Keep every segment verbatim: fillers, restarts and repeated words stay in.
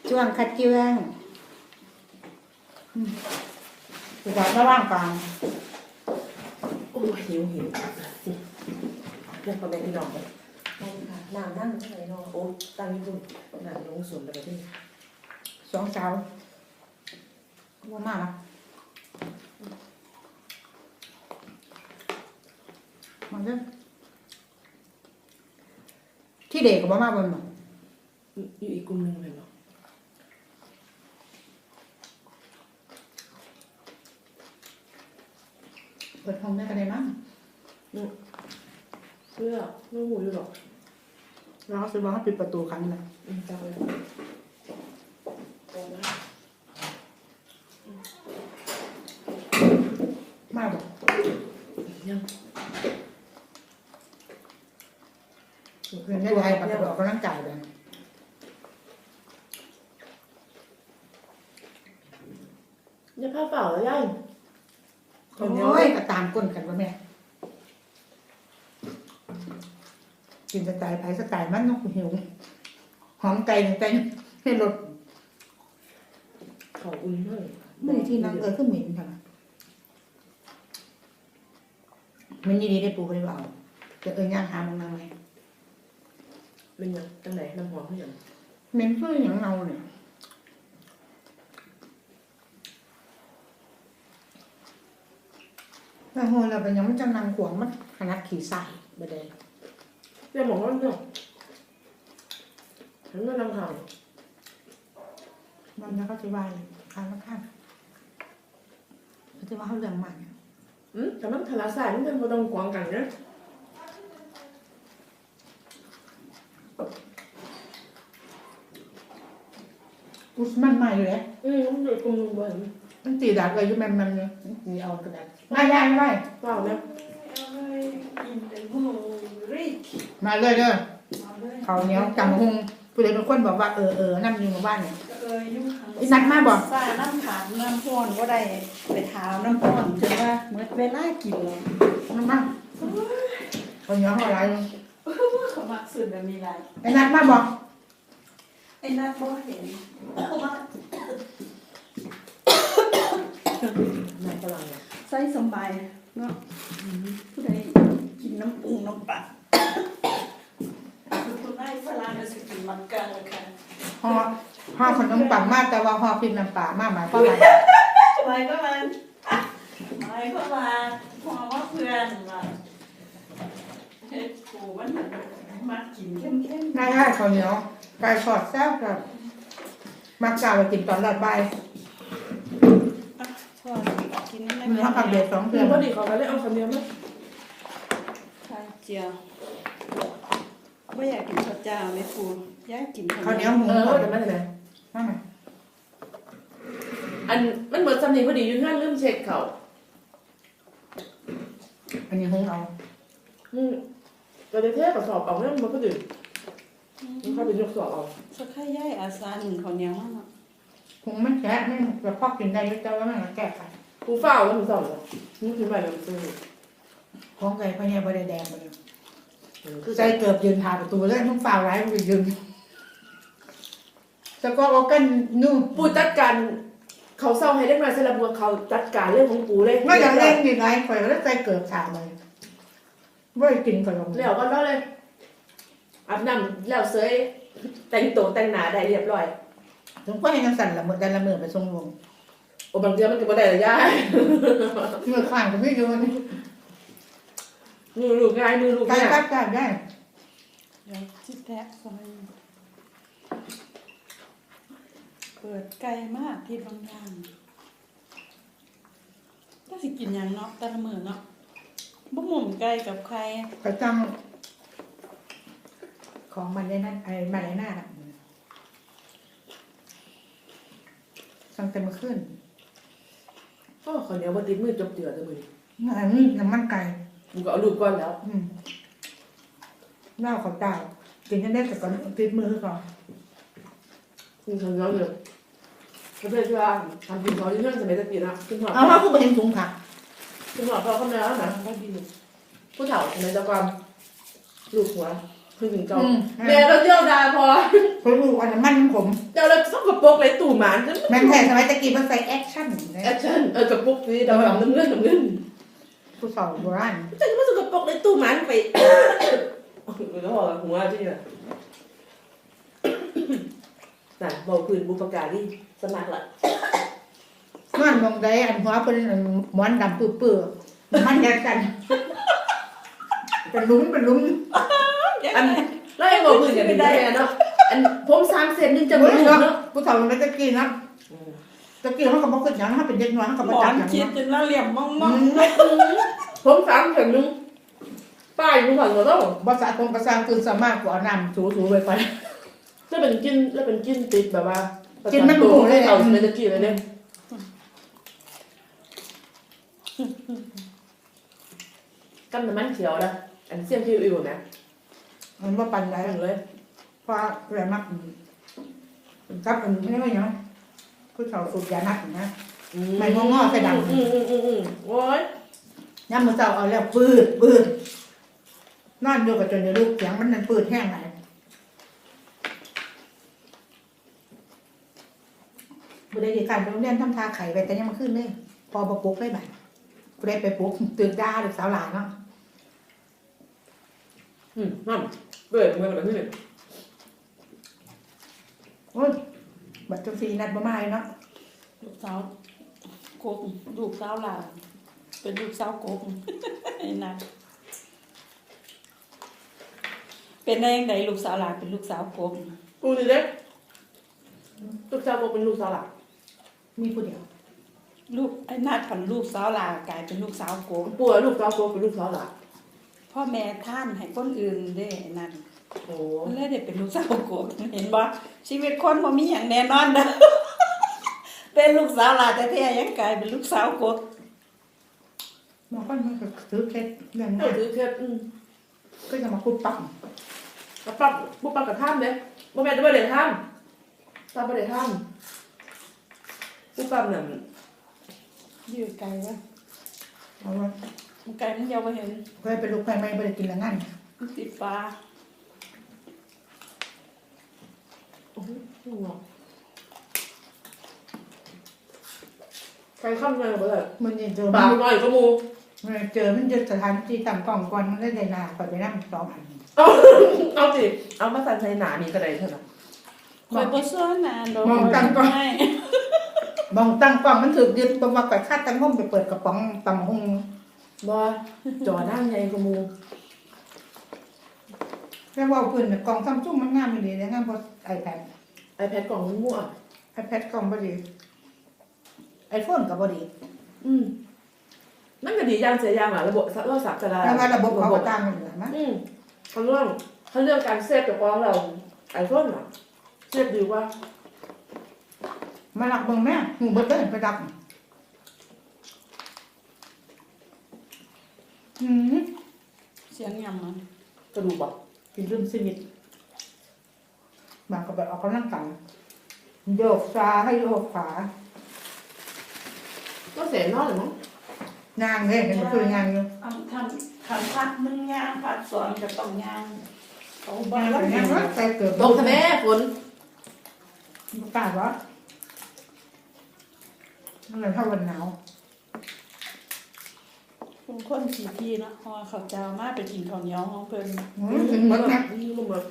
ช่วงคัดเจืองสุดท้ายระว่างกลางโอ้ยหิวหิวเรื่องประเด็นที่น้องเลยน้ำนั่งที่ไหนน้องโอ้ตั้งญี่ปุ่นน้ำลงสวนอะไรที่สองสาวว่ามากนะมันเรื่องที่เด็กกับว่ามากบนหรออยู่อีกกลุ่มหนึ่งเลยเนาะเปิดห้องได้กันได้มั้งเพื่อไม่หูอยู่หรอกเราซื้อบ้านปิดประตูครั้งนึงอืมจับเลยโอ้ยมากบอกยังเพื่อนได้ไทยปฏิบัติก็ร่างกายเลยยังผ้าเปล่าแล้วยังโอ้ยก็ตามก้นกันว่าแม่กินสไตล์ไผ่สไตล์มันนกหิวหอมไก่ไก่ให้รสเขาอุ่นเลยไม่ที่นั่งเออคือเหม็นค่ะมันยี่ดีได้ปูไปเปล่าจะเออย่างหามึงนั่งไหมเป็นยังตั้งไหนน้ำหอมเพื่อนเหม็นเพื่ออย่างเราเนี่ยแต่โหเราเป็นยังไม่จะนั่งขวางมันขนาดขี่ใส่บดเลยเรียกหมอว่าเนาะฉันไม่นำข่าวมันแล้วก็จะว่าข้างข้างเขาจะว่าเขาเรื่องใหม่อืมแต่มันทะเลาะสายมันเป็นคนต้องกวางกันนะอุสมันใหม่เลยอืมมันอยู่กลุ่มบนมันตีดักเลยยุ่แม่แม่เนี่ยตีเอากระดาษไม่ได้ไม่ได้เปล่าเนี่ยมาเลยเด้อเขาเนี้ยจำหงผู้ใดเป็นคนบอกว่าเออเออนั่งอยู่หมู่บ้านเนี่ยเออยุ่งขังนัดมาบอกซ่าน้ำขามน้ำพ่นก็ได้ไปเท้าน้ำพ่นถึงว่าเมื่อเวลากินเลยนั่งมาเขาเนี้ยเขาอะไรเขามักสุดแบบมีไรไอ้นัดมาบอกไอ้นัดบ่เห็นเขาว่าไหนฝรั่งเนี่ยใส่สบายเนาะผู้ใดกินน้ำปรุงน้ำปลาคือคนได้ฝรั่งก็จะกินมันกันเลยค่ะห่อห่อขนมปังมากแต่ว่าห่อพิมพ์น้ำปลามากหมายความว่าทำไมก็มันไม่ก็มาพอว่าเพื่อนมาเฮ็ดกูมันมากินเข้มเข้มได้ได้เขาเนี้ยไก่ทอดแซ่บกับมักกาไปกินตอนแรกใบทอดกินได้มีข้าวผัดเด็ดสองเพื่อนพอดีเขาก็เลยเอาคำเดียวมั้ยไข่เจียวไม่อยากกินข้าวเจ้าไม่ฟูอยากกินข้าวเหนียวหมูเออแต่ไม่เป็นไรไม่ไม่อันมันเหมือนสำเนียงพอดีอยู่ท่านลืมเช็คเขาอันนี้หงเอาอืมเราจะเทสกับสอบเอาเนี่ยมันก็ดื่มมันเข้าไปยกสอบเอาสักแค่ย่ายอาซาหนึ่งเขาเนี้ยมากหงไม่แกะไม่กระเพาะกินได้เจ้าแล้วมันแกะไข่กูเฝ้าแล้วมึงสอบเหรอนี่คือไปแล้วมึงซื้อของไก่พะเนี่ยบริแดงไปเลยใจเกือบยืนผ่าประตูเลยต้องฝ่าไว้ไปยืนสกอร์กันนู่นปูจัดการเขาเศร้าให้ได้มาสลับบัวเขาจัดการเรื่องของปูเลยไม่อยากเล่นยังไงข่อยแล้วใจเกือบขาดเลยไม่กินข่อยลงแล้วก็แล้วเลยอาบน้ำแล้วเสยแต่งตัวแต่งหน้าได้เรียบร้อยถึงก็ให้กันสั่นละเมื่อแต่ละเมื่อไปทรงลงโอ้บางทีมันก็บ่ได้ละยายเมื่อข้างก็ไม่โยนมือลูกง่ายมือลูกง่ายกัดกัดได้เดี๋ยวจิ๊บแทะซอยเปิดไกลมากที่บางอย่างถ้าสิกินอย่างเนาะแต่ละมื้อเนาะบ่หมุนไกลกับใครก็จังของมันได้นั่นไอ้มันได้หน้าอ่ะสั่งแต่เมื่อคืนก็คนเดียวบ่ติดมือจบเจือเลยมื้ออันนี้น้ำมันไก่มึงก็เอาลูกก่อนแล้วอืมเหล้าเขาตายกินกันได้แต่ก่อนติดมือก่อนมึงทำแล้วเลยเขาเพื่อนว่าทำกินเขาที่เรื่องสมัยตะกี้นะคุณพ่อเอาว่าผู้เป็นถุงผักคุณพ่อเขาเข้ามาแล้วนะผู้เฒ่าสมัยตะกอนลูกหัวเคคือถึงเจ้าอืมแม่เราเที่ยวดาพอเขาลูกอันนั้นมันผมเจ้าเราสกปรกเลยตู่หมานจนแม่นแท้สมัยตะกี้มันใส่แอคชั่นแอคชั่นเออกระปุกนี่ดำๆน้ำเงินน้ำเงินผู้สาวโบราณเจ้าจะมาสกปรกเลยตู่หมานไปแล้วบอกหัวที่น่ะน่ะบอกพื้นบุปการีสมัครละนอนมองได้อันหัวเป็นอันหมอนดำปื้อๆมันแยกกันเป็นลุ้มเป็นลุ้มอันแล้วไอ้บอกพื้นกันได้เนาะอันผมสามเซนนึงจะจะไม่ไม่รู้เนาะเนาะผู้สาวมันตะกี้นะตะกี้เขาก็บอกขึ้นอย่างเขาเป็นเด็กน้อยเขาก็หมบ่อจับนอย่างคิดนั้นจนละเหลี่ยมมองมอืองมผมสามเซนนึงป้ายรู้ก่อนว่าต้องภาษาตรงภาษาคือสามารถกว่าน้ำถูๆไปไปแล้วเป็นกินแล้วเป็นกินติดแบบว่ากินมันหมูเลยเอาในตะกี้เลยเนี่ยกันน้ำมันเขียวนะอันเสี้ยมคิวอิวนะมันว่าปันไรถึงเลยเพราะอะไรมากครับอันนี้ไม่เนาะผู้สาวสูบยานักนะ ไม่งอๆใส่ดำอืมอืมอืมอืมโอ้ยย่ำมือเจ้าเอาแล้วปืดปืดนอนอยู่กับจนเดี๋ยวลูกเสียงมันนั่นปืดแห้งไหนบุได้ดีการโรงเรียนทำทาไข่ไปแต่ยังมาขึ้นเลยพอประปุ๊กได้ไหมกูได้ไปปุ๊กตื่นด้าหรือสาวหลานเนาะอืมนั่นเปิดมือแบบนี้เลยโอ้ยบัตรจฟีนัดบ่มาเลยเนาะลูกสาวโกกลูกสาวหลานเป็นลูกสาวโกกไอ้นั่นเป็นได้ยังไงลูกสาวหลานเป็นลูกสาวโกกกูนี่เด็กลูกสาวบอกเป็นลูกสาวหลักมีผู้เดียวลูกไอ้นาดผันลูกสาวหลานกลายเป็นลูกสาวโกกปู่ลูกสาวโกเป็นลูกสาวหลักพ่อแม่ท่านให้คนอื่นเด้ไอ้นั่นโอ้มันเลยได้เป็นลูกสาวโกกเห็นบ่ชีวิตคนบ่มีอย่างแน่นอนเด้อ เป็นลูกสาวหลานแต่แท้ๆยังกลายเป็นลูกสาวโกกมันก็มันก็ซื้อเคล็ดเรื่องเอนี้อถือเคสอืมก็จะมาคุดปั๊มกระปั๊บปุ๊บปั๊บกระท่ามเลยบ่แม่นบ่ได้ท่ามตาบ่ได้ท่ามปุ๊บปั๊บนั่นอยู่ไกลวะเอาว่ามันไกลมันเดียวบ่เห็นเคยเป็นลูกใครไม่ได้กินแล้วงั้นมันติดฟ้าโอ้โหใครข้ามเลยบ่ได้มันยังเจอปากน้อยก็มูมันเจอมันจะสถานที่ต่ำกล่องก่อนมันได้ได้นาไปไปนั่งสองอันเอาเอาสิเอามาสั่นใส่หนานี่ก็ได้เท่านั้นคอยบ่ซ้อนนานดอกมองตั้งกล้องไม่มองตั้งกล้องมันถูกยึดตัวมาก่อยคาดตั้งห้องไปเปิดกระป๋องตำหงบ่จอด้านใหญ่ก็มูแค่ว่าเพื่อนกล่องซัมซุงมันงามดีเลยงามเพราะไอแพด iPad กล่องมันมั่วไอแพดกล่องบดีไอโฟนกับบดีอืมนั่นก็ดีอย่างเสียอย่างอ่ะระบบเราสับสลายแล้วว่าระบบเขาก็ตามกันอยู่มั้ยอืมเขาเรื่องเขาเรื่องการเซฟกับของเราไอโฟนอ่ะเซฟดีว่ามาหลักเบิ่งแม่หูเบิดเลยไปดับอืมเสียงยำมันกระดูกบอกกินลืมชีวิตบางก็แบบออกกำลังกายโยกซ้ายให้โยกขวาก็เสียนอนหรือมั้งนางเลยเป็นคืองานอยู่ทำทำทำพัดมึงย่างพัดสอนกับต้องย่างเขาบ้างานเป็นงานว่าใจเกิดตกทำไมฝนประกาศว่ามันเลยเท่าวันหนาวคุณคนขี่ทีเนาะฮอเขาเจ้ามาไปกินข้าวเหนียวของเพิ่นอืมถึงหมดนะนี่มันแบบ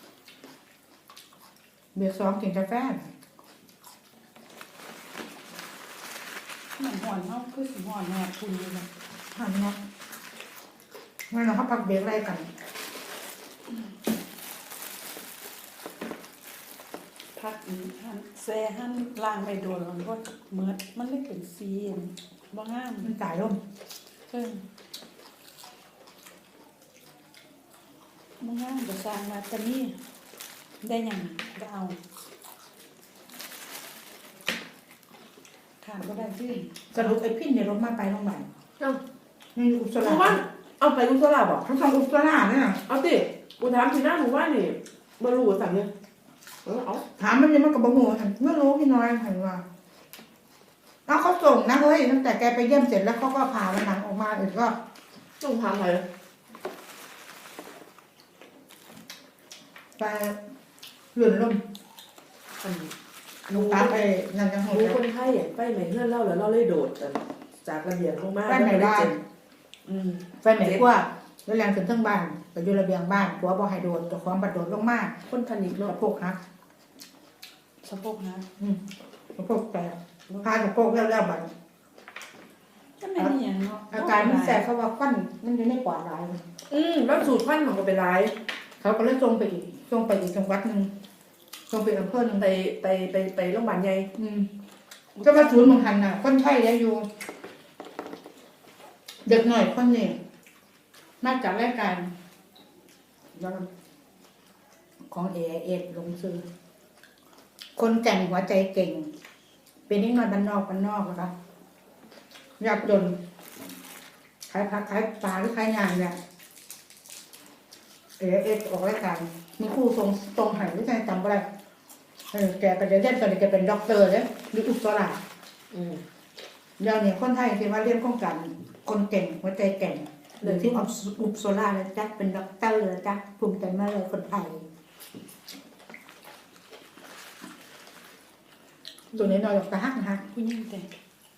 เบียร์ซ้อมกินกาแฟมันห่อนเนาะคือสิห่อนแนบคุณเลยนะหันเนาะงั้นเราเขาพักเบรกอะไรกันพักอีกหันแซ่หันล่างไปโดนมันก็เหมือดมันเลยเป็นซีนบ่งามมันจ่ายร่มเพิ่นบ่งามก็สร้างมาแต่นี่ได้หยังก็เอาขาดก็ได้ที่สรุปไอ้พินเนี่ยรถมาไปโรงพยาบาลเอ้านี่อุศหรามู่บ้านเอาไปกุศลาบอกเขาทำอุศราเนี่ยเอาสิกูถามทีหน้าหมู่บ้านนี่มารู้สั่งเนี่ยเออเอาถามมันยังมันกับบะหมูหันไม่รู้พี่น้อยหันว่าแล้วเขาส่งนะเฮ้ยตั้งแต่แกไปเยี่ยมเสร็จแล้วเขาก็พามันหนังออกมาอีกก็ต้องถามใครไปหลุนลมอันลูกตาไปนั่นจังหรู้วะคนไข้อ่ะไปไหนเพื่อนเล่าแล้วเล่าเลยโดดกันจากระเบียงลงมาไปไหนบ้านอืมไฟไหม้กว่าแล้วแรงขึ้นทั้งบ้านไปอยู่ระเบียงบ้านผัวบ่ให้โดนตัวของบัดโดดลงมาคนทันิกสะเนาะโพกหักสะโพกนะอืมสะโพกแตกพาสะโพกแล้วแล้วบัดก็ไม่มีอย่างเนาะอาการมันแสบเขาว่าฟันมันจะไม่ปลอดภัยอืมแล้วสูตรพันธุ์ของก็เป็นไรเขาก็เลยส่งไปอีกส่งไปอีกจังหวัดหนึ่งส่งไปอำเภอหนึ่งไปไปไปไปโรงพยาบาลใหญ่อืมก็มาศูนย์เมืองหันน่ะคนไข้แล้วอยู่ เด็กหน่อยคนนี้มาจากรายการของเอเอสลงซื้อคนแก่งหัวใจเก่ง เป็นนิดหน่อยบ้านนอกบ้านนอกนะคะยากจนขายผักขายปลาหรือขายงานเนี่ยเอเอสออกรายการมีครู่ทรงตรงไหนหรือไงจำไม่ได้เออแกไปเรียนตอนนี้แกเป็นด็อกเตอร์เนี่ยหรืออุปสราอืมเดี๋ยวนี้คนไทยที่ว่าเรียนโครงการคนเก่งหัวใจแก่งหรือที่ออฟอุปโซล่าแล้วจ้ะเป็นด็อกเตอร์แล้วจ้ะภูมิใจมากเลยคนไทยตัวนี้นอยออกตาหักนะคะผู้หญิงแต่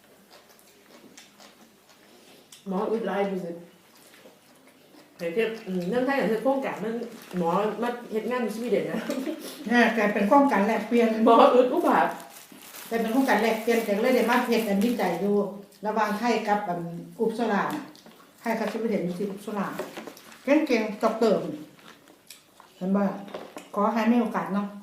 หมออุดไลน์ดูสิเห็นเทียบอืมเรื่องไทยอย่างเช่นโครงการมันหมอมาเฮ็ดงานอยู่สวีเดนนะเนี่ยแกเป็นโครงการแลกเปลี่ยนหมออุดอุบาทแกเป็นโครงการแลกเปลี่ยนแกเลยได้มาเพจกันวิจัยดูระหว่างไทยกับอันอุปโซล่าไทยกับสวีเดนที่อุปโซล่าเก่งเก่งๆด็อกเตอร์เห็นบ่ขอให้มีโอกาสเนาะ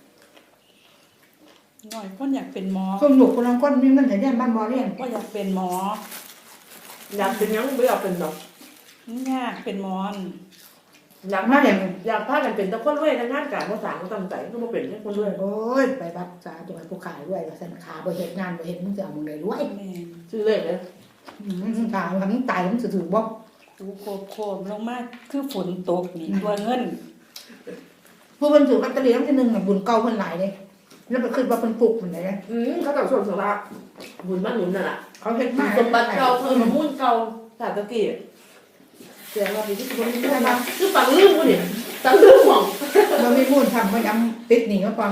หน่อยคนอยากเป็นหมอส่วนหนูคนละคนมีเงินแต่เรียนบ้านบ่เรียนก็อยากเป็นหมออยากเป็นหยังไม่อยากเป็นหรอกยากเป็นหมอนอยากพากันอยากพากันเป็นแต่คนรวยในงานการภาษาเขาตั้งใจก็มาเป็นแค่คนรวยโอ้ยไปบัดสาตัวผู้ขายด้วยว่าสันขาบ่เฮ็ดงานบ่เฮ็ดมึงจะเอามึงได้รวยแม่นชื่อเลขเลยอืมขาทำตายมันสิถือบ่หูโคบโคบลงมาคือฝนตกนี่ตัวเงินผู้เพิ่นถือลอตเตอรี่รางวัลที่หนึ่งน่ะบุญเก่าเพิ่นหลายเด้แล้วไปขึ้นว่าเพิ่นปลูกมันได้อืมเขาต้องส่วนสละบุญบ้านหนุนน่ะล่ะเขาเฮ็ดมาสมบัติเก่าเพิ่มมามุ่นเก่าสาตะกี้เสียงว่าดีที่สุดคนนี้ได้คือฝังลืมกูเนี่ยฝังลืมหม่องบ่มีมูลทำบ่ย้ำติดหนี้มาก่อน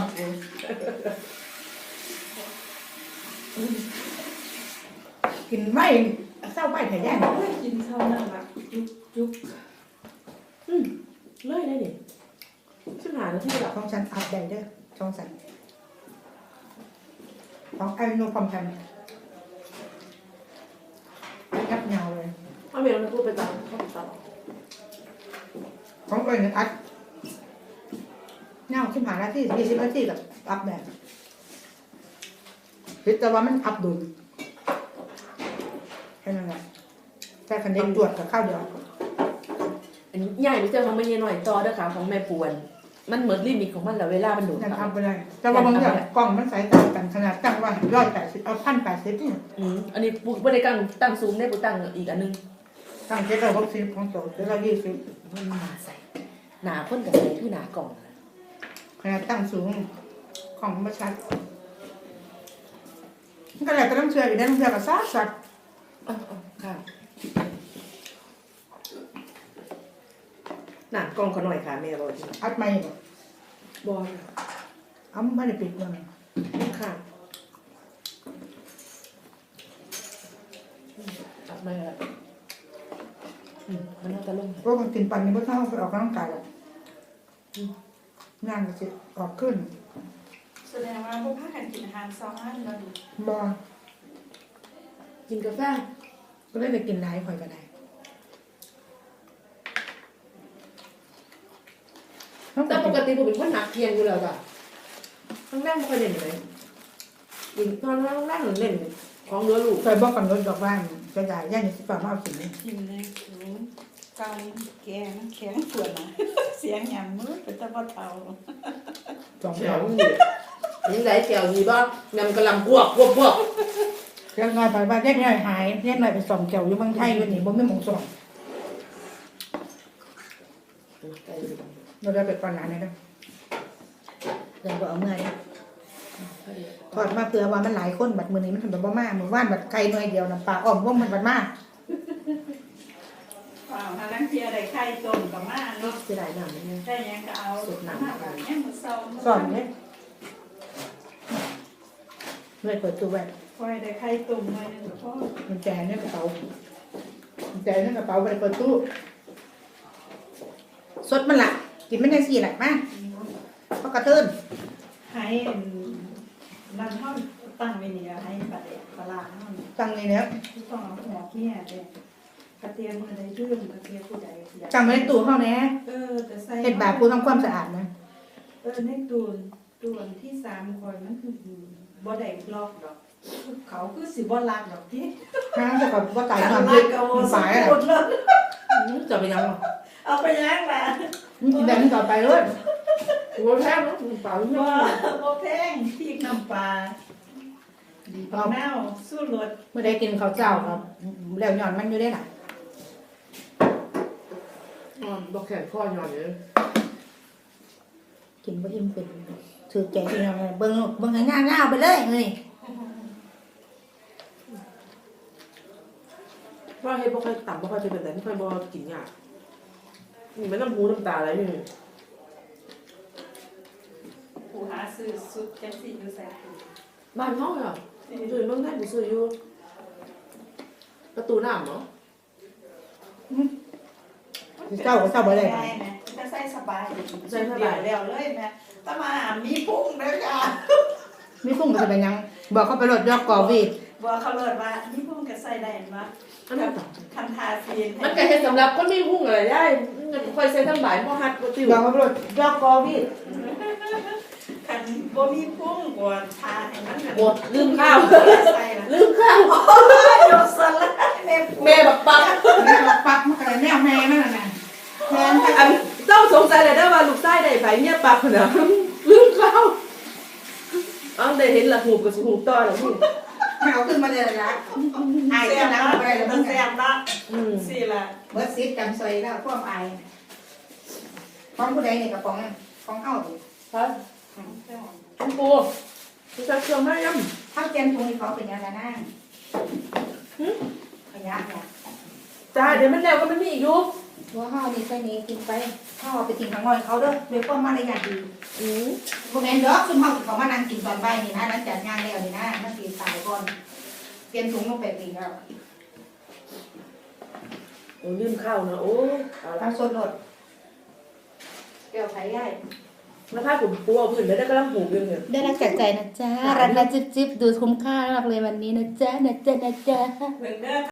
กินไม่เศร้าไม่แท้แย่กินข้าวนั่นละจุ๊บจุ๊บอืมเลยได้เนี่ยชิบหายแล้วที่แบบของฉันอัปได้เด้อช่องฉันของไอ้โนความทันไปยับยาวเลยเอาเมลมาพูดไปตามเขาไปตามของเอิญอัดเงาขึ้นหาหน้าที่ยี่สิบนาทีกับอัพแบบคิดแต่ว่ามันอัพดุลแค่นั้นแหละแค่คันเด็กตรวจกับข้าวเดียวอันนี้ใหญ่ไม่เจอของไม่เย็นหน่อยต่อเด้อค่ะของแม่ปวนมันเหมือนลิมิตของมันแล้วเวลามันโดดนั่นครับทำไปเลยแต่ว่าบางอย่างกล่องมันสายต่างกันขนาดตั้งว่าร้อยแปดสิบเอาพันแปดสิบเนี่ยอืมอันนี้ปุ๊บไม่ได้ตั้งตั้งซูมได้ปุ๊บตั้งอีกอันนึงตั้งเจ็ดร้อยหกสิบของโตเจ็ดร้อยยี่สิบมันมาใส่หนาพ่นกับใส่ที่หนากล่องนะขนาดตั้งสูงของมาชัดมันก็แหละก็ต้องเชื่ออยู่ได้ต้องเชื่อกับซาสัตว์อ๋ออ๋อค่ะหนากล่องเขาหน่อยค่ะแม่บอกจริงอัดไม่บ่บอลเอ้าไม่ได้ปิดเลยค่ะตัดมาแล้วอืมมันน่าจะลงเพราะคนกินปันนี่ไม่ต้องไปออกกำลังกายหรอกงานก็จะออกขึ้นแสดงว่าพวกพากันกินอาหารซ้อนแล้วดิบอกินกาแฟก็เลยไปกินไลฟ์คอยก็ได้แต่ปกติผมเป็นคนหนักเพียงอยู่แล้วจ้ะข้างแรกไม่ค่อยเล่นเลยยิงตอนข้างแรกหนูเล่นของเรือลูกเคยบอกกับรถดอกบ้านจะได้ย่านสิฝ่ามาเอาสินกินเลยสูงเกาแกงแข็งปวดนะ เสียงหยำมือเป็นตะบะเทาสองแถแถววนี่ยังไงแถวนี้บ้างนำกำลังพวกพวกพวกเรียกน้อยไปบ้านเรียกน้อยหายเรียกน้อยไปสองแถวอยู่เมืองไทยอยู่นี่บ่มีหมองสองเราได้ไปก่อนหน้านี้นะเดี๋ยวบ่เอาเงินถอดมาเผื่อว่ามันหลายคนบัดมือนี้มันทำแบบบ่มามือว่านบัดไก่หน่วยเดียวน้ำปลาอ้อมว่องมันบัดมาเปล่าฮะนั่งเทียได้ไข่ต้มกับมาเนาะเสียดายหนังเนี่ยได้ยังก็เอามาแบบนี้มือเศร้าสอนเนี่ยเลยเปิดตู้ไว้คอยได้ไข่ต้มมาเนี่ยพ่อมันแจเนี่ยกระเป๋ามันแจเนี่ยกระเป๋าไปเปิดตู้สดมันละกินไม่ได้สี่หลักมากเพราะกระเทินให้นั่นห้องตั้งไว้นี่ให้ปลาเด็กปลาห้องตังในเนี้ยต้องเอาหัวเขี้ยเด็กกระเทียมมือใดดื้อกระเทียมผู้ใดจังไม่ได้ตู้เข้าแน่เออแต่ใส่เห็ดแบบกูทำความสะอาดนะเออในตูนตูนที่สามคอยมันคือบ่ได้ลอกดอกเขาคือสิบ่ลากดอกที่ห้างจะกับว่าไก่นอนลาพิกษเอามันสาสายยอะไรหมดเลยจะไปยังหรอเอาไปย่างแหละมันกินแบบนี้ต่อไปเลยหัวแท้เนาะเปล่าบ่เนาะบ่แพงพริกน้ำปลาดีปลาแมวสู้รสเมื่อใดกินข้าวเจ้าครับแล้วหย่อนมันอยู่ได้หล่ะอ๋อบอกแขนข้อยอนเลยกินบ่อิ่มเป็นถือใจที่เราเบิ่งเบิ่งให้ง่ายๆไปเลยนี่ว่าเฮ็ดบ่ค่อยต่ำบ่ค่อยจะเป็นแต่ไม่ค่อยบ่กินยากนี่มันน้ำหูน้ำตาอะไรนี่ผู้หาซื้อสุดจังซี่อยู่ใส่ถุงบ้านเฮาเหรอซื้อเมืองไทยบ่ซื้ออยู่ประตูน้ำเนาะเจ้าก็เจ้าบ่ได้ได้นะจะใส่สบายใส่สบายแล้วเลยนะตะมามีพุงเด้อค่ะมีพุ่งก็จะเป็นยังบอกเขาไปรถยอกกอวีดบอกเขาเลยว่ามีพุงก็ใส่ได้มาอันนั้นต่ำคันทาซีนมันก็เฮ็ดสำหรับคนมีหุ้งอะไรได้มันค่อยใส่ทั้งหลายบ่ฮัดบ่ติวบอกเขาไปรถยอกกอวีดคันบ่มีพุงกว่าทาให้มันหมดลืมข้าวใส่ละลืมข้าวยกสลัดแม่แม่บักปักแม่บอกปักมันก็เลยแนวแม่นั่นน่ะแทนอันเจ้าสงสัยเลยได้ว่าลูกชายได้ไผเมียปักน่ะลืมข้าวเอาได้เห็นละหูกับหูต่อแล้วนี่เอาขึ้นมาเลยละอายเสียจะบนั่งนะไปเลยมัมัน นเสีแซ่ยบบนะอืมสิละเบิดซิดจำซอยแล้วพวกอายของผู้ใดนี่กับของของเฮาดิครับคุณปูคุณจะเครื่องมายังเฮาเจนตรงนี้เขาเป็นยังไงนะขยะเนี่ยจ้าเดี๋ยวมันแล้วก็มันมีอีกอยู่ว่าเฮานี่ใส่นี้กินไปเฮาเอาไปทิ้งข้างนอกเขาเด้อด้วยความมารยาทดีอืมบ่แม่นเด้อซุมเฮาเขามานั่งกินตอนบ่ายนี่นะหลังจากงานแล้วนี่นะมันสิตายก่อนเตรียมถุงลงไปปีแล้วโอ้ลืมข้าวนะโอ้เอาละเอาสดรถเดี๋ยวไผย้ายแล้วถ้าผมปูเอาพื้นไม่ได้ก็ต้องผูกเรื่องเนี่ยได้รักจากใจนะจ๊ะรักนะจิ๊บจิ๊บดูคุ้มค่ามากเลยวันนี้นะจ๊ะนะจ๊ะนะจ๊ะเหมือนเด้อ